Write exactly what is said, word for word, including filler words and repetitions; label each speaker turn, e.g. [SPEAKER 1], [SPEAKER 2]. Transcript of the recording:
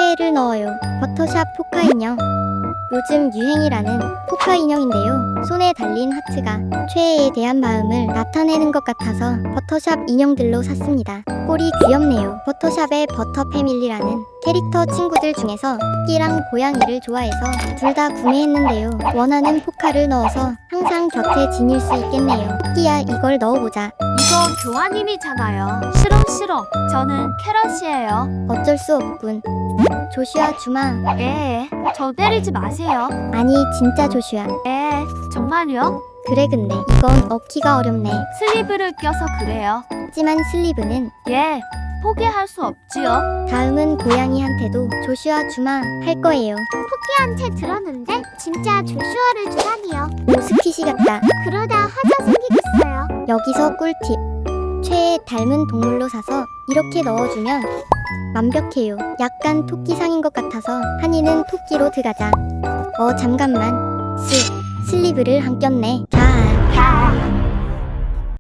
[SPEAKER 1] 최애를 넣어요. 버터샵 포카 인형. 요즘 유행이라는 포카 인형인데요. 손에 달린 하트가 최애에 대한 마음을 나타내는 것 같아서 버터샵 인형들로 샀습니다. 꼴이 귀엽네요. 버터샵의 버터 패밀리라는 캐릭터 친구들 중에서 토끼랑 고양이를 좋아해서 둘 다 구매했는데요. 원하는 포카를 넣어서 항상 곁에 지닐 수 있겠네요. 토끼야, 이걸 넣어보자.
[SPEAKER 2] 이거 교환님이잖아요. 싫어 싫어. 저는 캐럿이에요.
[SPEAKER 1] 어쩔 수 없군. 조슈아 주마.
[SPEAKER 2] 예, 저 때리지 마세요.
[SPEAKER 1] 아니 진짜 조슈아.
[SPEAKER 2] 예, 정말요?
[SPEAKER 1] 그래, 근데 이건 얻기가 어렵네.
[SPEAKER 2] 슬리브를 껴서 그래요.
[SPEAKER 1] 하지만 슬리브는.
[SPEAKER 2] 예, 포기할 수 없지요.
[SPEAKER 1] 다음은 고양이한테도 조슈아 주마 할 거예요.
[SPEAKER 3] 토끼한테 들었는데 진짜 조슈아를 주다니요.
[SPEAKER 1] 모스키시 같다.
[SPEAKER 3] 그러다 하자 생기겠어요.
[SPEAKER 1] 여기서 꿀팁. 최애 닮은 동물로 사서 이렇게 넣어주면 완벽해요. 약간 토끼상인 것 같아서 한이는 토끼로 들어가자. 어 잠깐만. 스 슬리브를 안 꼈네. 자.
[SPEAKER 3] 자.